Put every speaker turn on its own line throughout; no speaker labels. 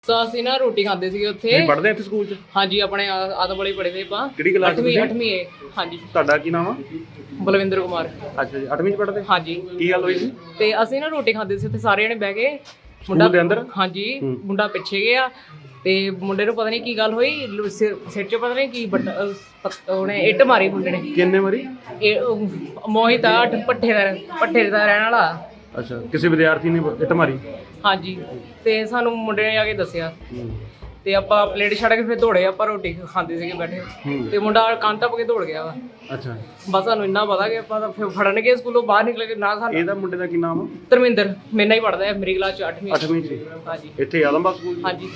ਅਸੀਂ ਨਾ ਰੋਟੀ ਖਾਂਦੇ ਸੀਗੇ ਉੱਥੇ।
ਤੁਸੀਂ ਪੜ੍ਹਦੇ ਇੱਥੇ ਸਕੂਲ 'ਚ?
ਹਾਂਜੀ, ਆਪਣੇ ਆਦਮ ਵਾਲੇ ਪੜ੍ਹਦੇ ਆਪਾਂ।
ਕਿਹੜੀ ਕਲਾਸ 'ਚ?
8ਵੀਂ ਏ। ਹਾਂਜੀ।
ਤੁਹਾਡਾ ਕੀ ਨਾਮ ਆ?
ਬਲਵਿੰਦਰ ਕੁਮਾਰ।
ਅੱਛਾ ਜੀ, 8ਵੀਂ 'ਚ ਪੜ੍ਹਦੇ?
ਹਾਂਜੀ।
ਕੀ ਗੱਲ ਹੋਈ ਸੀ?
ਤੇ ਅਸੀਂ ਨਾ ਰੋਟੀ ਖਾਂਦੇ ਸੀ ਉੱਥੇ ਸਾਰੇ ਜਣੇ ਬਹਿ ਕੇ।
ਮੁੰਡਾ ਦੇ ਅੰਦਰ?
ਹਾਂਜੀ, ਮੁੰਡਾ ਪਿੱਛੇ ਗਿਆ ਤੇ ਮੁੰਡੇ ਨੂੰ ਪਤਾ ਨਹੀਂ ਕੀ ਗੱਲ ਹੋਈ, ਸਿਰ 'ਚ ਪਤਾ ਨਹੀਂ ਕੀ ਉਹਨੇ ਇੱਟ ਮਾਰੀ ਮੁੰਡੇ ਨੇ।
ਕਿੰਨੇ ਵਾਰੀ?
ਮੋਹਿਤ ਆ, ਭੱਠੇ ਦਾ ਰਹਿਣ ਵਾਲਾ।
ਅੱਛਾ, ਕਿਸੇ ਵਿਦਿਆਰਥੀ ਨੇ ਇੱਟ ਮਾਰੀ?
ਹਾਂਜੀ। ਤੇ ਸਾਨੂੰ ਮੁੰਡੇ ਨੇ ਆ ਕੇ ਦੱਸਿਆ ਤੇ ਆਪਾਂ ਪਲੇਟ ਛੱਡ ਕੇ ਫਿਰ ਦੌੜੇ। ਆਪਾਂ ਰੋਟੀ ਖਾਂਦੇ ਸੀਗੇ ਬੈਠੇ ਤੇ ਮੁੰਡਾ ਕੰਨ ਟੱਪ ਕੇ ਦੌੜ ਗਿਆ ਵਾ।
ਅੱਛਾ।
ਬਸ ਸਾਨੂੰ ਇੰਨਾ ਪਤਾ ਕਿ ਆਪਾਂ ਤਾਂ ਫਿਰ ਫੜਨ ਗਏ, ਸਕੂਲੋਂ ਬਾਹਰ ਨਿਕਲ ਕੇ ਨਾ ਸਾਨੂੰ।
ਇਹਦਾ ਮੁੰਡੇ ਦਾ ਕੀ ਨਾਮ ਆ?
ਧਰਮਿੰਦਰ। ਮੇਰੇ ਨਾਲ ਹੀ ਪੜ੍ਹਦਾ ਹੈ, ਮੇਰੀ ਕਲਾਸ 'ਚ 8ਵੀਂ
'ਚ।
ਹਾਂਜੀ।
ਇੱਥੇ ਆਦਮਬਾਗ ਸਕੂਲ 'ਚ?
ਹਾਂਜੀ।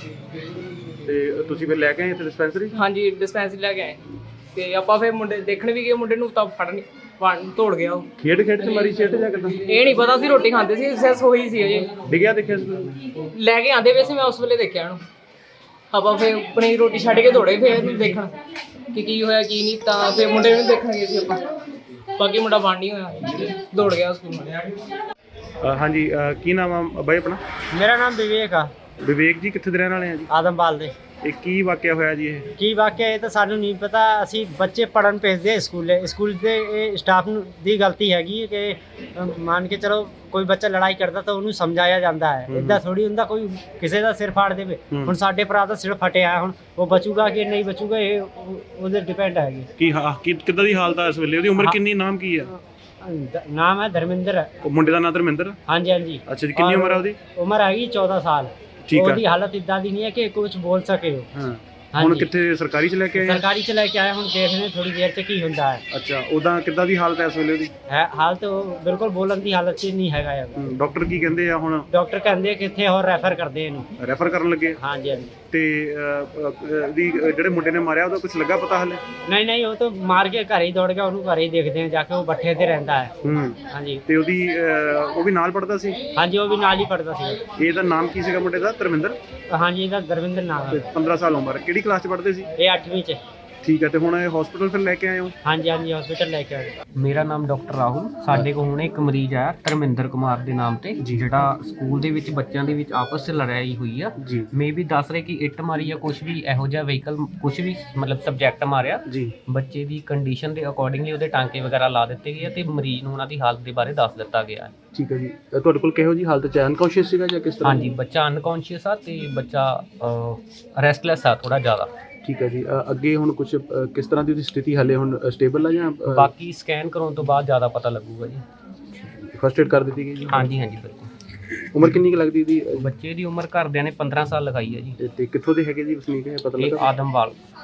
ਤੇ ਤੁਸੀਂ ਫਿਰ ਲੈ ਕੇ ਆਏ ਇੱਥੇ ਡਿਸਪੈਂਸਰੀ?
ਹਾਂਜੀ, ਡਿਸਪੈਂਸਰੀ ਲੈ ਕੇ ਆਏ ਤੇ ਆਪਾਂ ਫਿਰ ਮੁੰਡੇ ਦੇਖਣ ਵੀ ਗਏ। ਮੁੰਡੇ ਨੂੰ ਤਾਂ ਫੜਨ ਤੋੜ ਗਿਆ ਉਹ।
ਖੇਡ 'ਚ ਮਾਰੀ ਸਿੱਟ ਜਾਂ ਕਿੱਦਾਂ?
ਇਹ ਨਹੀਂ ਪਤਾ ਸੀ, ਰੋਟੀ ਖਾਂਦੇ ਸੀ, ਸੈਸ ਹੋਈ ਸੀ ਅਜੇ।
ਡਿੱਗਿਆ ਦੇਖਿਆ ਸੀ?
ਲੈ ਕੇ ਆਂਦੇ ਵੈਸੇ ਮੈਂ ਉਸ ਵੇਲੇ ਦੇਖਿਆ ਇਹਨੂੰ। ਆਪਾਂ ਫਿਰ ਆਪਣੀ ਰੋਟੀ ਛੱਡ ਕੇ ਦੌੜੇ ਫਿਰ ਇਹਨੂੰ ਦੇਖਣ ਕਿ ਕੀ ਹੋਇਆ ਕੀ ਨਹੀਂ। ਤਾਂ ਫਿਰ ਮੁੰਡੇ ਨੂੰ ਦੇਖਣ ਗਏ ਸੀ ਆਪਾਂ। ਬਾਕੀ ਮੁੰਡਾ ਬਣ ਨਹੀਂ ਹੋਇਆ, ਦੌੜ ਗਿਆ ਸਕੂਲ।
ਹਾਂਜੀ, ਕੀ ਨਾਮ ਆ ਬਾਈ ਆਪਣਾ?
ਮੇਰਾ ਨਾਮ ਵਿਵੇਕ ਆ।
ਵਿਵੇਕ ਜੀ, ਕਿੱਥੇ ਦੇ ਰਹਿਣ ਵਾਲੇ ਆ ਜੀ?
ਆਦਮਵਾਲ ਦੇ।
ਇਹ ਕੀ ਵਾਕਿਆ ਹੋਇਆ ਜੀ? ਇਹ
ਕੀ ਵਾਕਿਆ ਇਹ ਤਾਂ ਸਾਨੂੰ ਨਹੀਂ ਪਤਾ। ਅਸੀਂ ਬੱਚੇ ਪੜ੍ਹਨ ਭੇਜਦੇ ਸਕੂਲ ਦੇ। ਇਹ ਸਟਾਫ ਦੀ ਗਲਤੀ ਹੈਗੀ ਕਿ ਮੰਨ ਕੇ ਚਲੋ ਕੋਈ ਬੱਚਾ ਲੜਾਈ ਕਰਦਾ ਤਾਂ ਉਹਨੂੰ ਸਮਝਾਇਆ ਜਾਂਦਾ ਹੈ। ਇੱਦਾਂ ਥੋੜੀ ਹੁੰਦਾ ਕੋਈ ਕਿਸੇ ਦਾ ਸਿਰ ਫਾੜ ਦੇਵੇ। ਹੁਣ ਸਾਡੇ ਭਰਾ ਦਾ ਸਿਰ ਫਟਿਆ, ਹੁਣ ਉਹ ਬਚੂਗਾ ਕਿ ਨਹੀਂ ਬਚੂਗਾ ਇਹ ਉਹਦੇ ਡਿਪੈਂਡ ਹੈਗੀ।
ਕੀ ਕਿੱਦਾਂ ਦੀ ਹਾਲਤ ਆ ਇਸ ਵੇਲੇ? ਉਹਦੀ ਉਮਰ ਕਿੰਨੀ? ਨਾਮ ਕੀ ਆ?
ਨਾਮ ਹੈ ਧਰਮਿੰਦਰ।
ਉਹ ਮੁੰਡੇ ਦਾ ਨਾਮ ਧਰਮਿੰਦਰ?
ਹਾਂਜੀ ਹਾਂਜੀ।
ਅੱਛਾ ਜੀ, ਕਿੰਨੀ ਉਮਰ ਆ ਉਹਦੀ?
ਉਮਰ ਹੈਗੀ 14 ਸਾਲ।
ਠੀਕ ਆ।
ਉਹਦੀ ਹਾਲਤ ਇੱਦਾਂ ਦੀ ਨਹੀਂ ਹੈ ਕਿ ਕੁਝ ਬੋਲ ਸਕੇ।
ਹਾਂ। ਹੁਣ ਕਿੱਥੇ ਸਰਕਾਰੀ 'ਚ ਲੈ ਕੇ ਆਏ?
ਸਰਕਾਰੀ 'ਚ ਲੈ ਕੇ ਆਏ। ਹੁਣ ਦੇਖਦੇ ਥੋੜੀ ਦੇਰ 'ਚ ਕੀ ਹੁੰਦਾ ਹੈ।
ਅੱਛਾ, ਉਦਾਂ ਕਿੱਦਾਂ ਦੀ ਹਾਲਤ ਹੈ ਇਸ ਵੇਲੇ ਉਹਦੀ?
ਹਾਲਤ ਉਹ ਬਿਲਕੁਲ ਬੋਲਣ ਦੀ ਹਾਲਤ 'ਚ ਨਹੀਂ ਹੈਗਾ ਯਾਰ।
ਡਾਕਟਰ ਕੀ ਕਹਿੰਦੇ ਆ ਹੁਣ?
ਡਾਕਟਰ ਕਹਿੰਦੇ ਕਿੱਥੇ ਹੋਰ ਰੈਫਰ ਕਰਦੇ ਇਹਨੂੰ।
ਰੈਫਰ ਕਰਨ ਲੱਗੇ?
ਹਾਂਜੀ ਹਾਂਜੀ।
ਤੇ ਜਿਹੜੇ ਮੁੰਡੇ ਨੇ ਮਾਰਿਆ ਉਹਦਾ ਕੁਝ ਲੱਗਾ ਪਤਾ ਹਲੇ?
ਨਹੀਂ, ਉਹ ਤਾਂ ਮਾਰ ਕੇ ਘਰੇ ਹੀ ਦੌੜ ਗਿਆ। ਉਹਨੂੰ ਘਰੇ ਹੀ ਦੇਖਦੇ ਆ ਜਾ ਕੇ। ਉਹ ਬੱਠੇ ਤੇ ਰਹਿੰਦਾ ਹੈ। ਹਾਂਜੀ।
ਤੇ ਉਹ ਵੀ ਨਾਲ ਪੜਦਾ ਸੀ?
ਹਾਂਜੀ, ਉਹ ਵੀ ਨਾਲ ਹੀ ਪੜਦਾ ਸੀ।
ਇਹਦਾ ਨਾਮ ਕੀ ਸੀਗਾ ਮੁੰਡੇ ਦਾ? ਧਰਮਿੰਦਰ?
ਹਾਂਜੀ, ਇਹਦਾ ਧਰਮਿੰਦਰ ਨਾਮ ਹੈ।
15 ਸਾਲ ਉਮਰ। ਕਿਹੜੀ ਕਲਾਸ 'ਚ ਪੜ੍ਹਦੇ ਸੀ?
ਇਹ 8ਵੀਂ 'ਚ।
ਠੀਕ ਹੈ। ਤੇ ਹੁਣ ਇਹ ਹਸਪੀਟਲ ਫਿਰ ਲੈ ਕੇ ਆਏ ਹੋ?
ਹਾਂਜੀ ਹਾਂਜੀ, ਹਸਪੀਟਲ ਲੈ ਕੇ ਆਏ।
ਮੇਰਾ ਨਾਮ ਡਾਕਟਰ ਰਾਹੁਲ। ਸਾਡੇ ਕੋਲ ਹੁਣ ਇੱਕ ਮਰੀਜ਼ ਆਇਆ ਧਰਮਿੰਦਰ ਕੁਮਾਰ ਦੇ ਨਾਮ ਤੇ, ਜਿਹੜਾ ਸਕੂਲ ਦੇ ਵਿੱਚ ਬੱਚਿਆਂ ਦੇ ਵਿੱਚ ਆਪਸ 'ਚ ਲੜਾਈ ਹੋਈ ਆ। ਮੇ ਵੀ ਦੱਸ ਰਹੇ ਕਿ ਇੱਟ ਮਾਰੀ ਆ, ਕੁਝ ਵੀ ਇਹੋ ਜਿਹਾ ਵਹੀਕਲ, ਕੁਝ ਵੀ ਮਤਲਬ ਸਬਜੈਕਟ ਮਾਰਿਆ ਜੀ। ਬੱਚੇ ਦੀ ਕੰਡੀਸ਼ਨ ਦੇ ਅਕੋਰਡਿੰਗਲੀ ਉਹਦੇ ਟਾਂਕੇ ਵਗੈਰਾ ਲਾ ਦਿੱਤੇ ਗਏ ਤੇ ਮਰੀਜ਼ ਨੂੰ ਉਹਨਾਂ ਦੀ ਹਾਲਤ ਦੇ ਬਾਰੇ ਦੱਸ ਦਿੱਤਾ ਗਿਆ।
ਠੀਕ ਹੈ ਜੀ। ਤੁਹਾਡੇ ਕੋਲ ਕਿਹੋ ਜੀ ਹਾਲਤ 'ਚ? ਅਨਕੌਂਸ਼ੀਅਸ ਸੀਗਾ ਜਾਂ ਕਿਸ ਤਰ੍ਹਾਂ?
ਹਾਂਜੀ, ਬੱਚਾ ਅਨਕੌਂਸ਼ੀਅਸ ਆ ਤੇ ਬੱਚਾ ਰੈਸਟਲੈਸ ਆ ਥੋੜਾ ਜ਼ਿਆਦਾ।
ਠੀਕ ਹੈ ਜੀ। ਅੱਗੇ ਹੁਣ ਕੁਝ ਕਿਸ ਤਰ੍ਹਾਂ ਦੀ ਉਹਦੀ ਸਥਿਤੀ ਹਲੇ ਹੁਣ ਸਟੇਬਲ ਆ ਜਾਂ?
ਬਾਕੀ ਸਕੈਨ ਕਰਾਉਣ ਤੋਂ ਬਾਅਦ ਜ਼ਿਆਦਾ ਪਤਾ ਲੱਗੂਗਾ ਜੀ।
ਫਸਟ ਏਡ ਕਰ ਦਿੱਤੀ ਗਈ ਜੀ?
ਹਾਂਜੀ ਹਾਂਜੀ ਬਿਲਕੁਲ।
ਉਮਰ ਕਿੰਨੀ ਕੁ ਲੱਗਦੀ ਇਹਦੀ?
ਬੱਚੇ ਦੀ ਉਮਰ ਘਰਦਿਆਂ ਨੇ 15 ਸਾਲ ਲਗਾਈ ਹੈ ਜੀ।
ਤੇ ਕਿੱਥੋਂ ਦੇ ਹੈਗੇ ਜੀ ਵਸਨੀਕ? ਹੈ ਪਤਾ ਲੱਗਾ?
ਆਦਮਵਾਲ।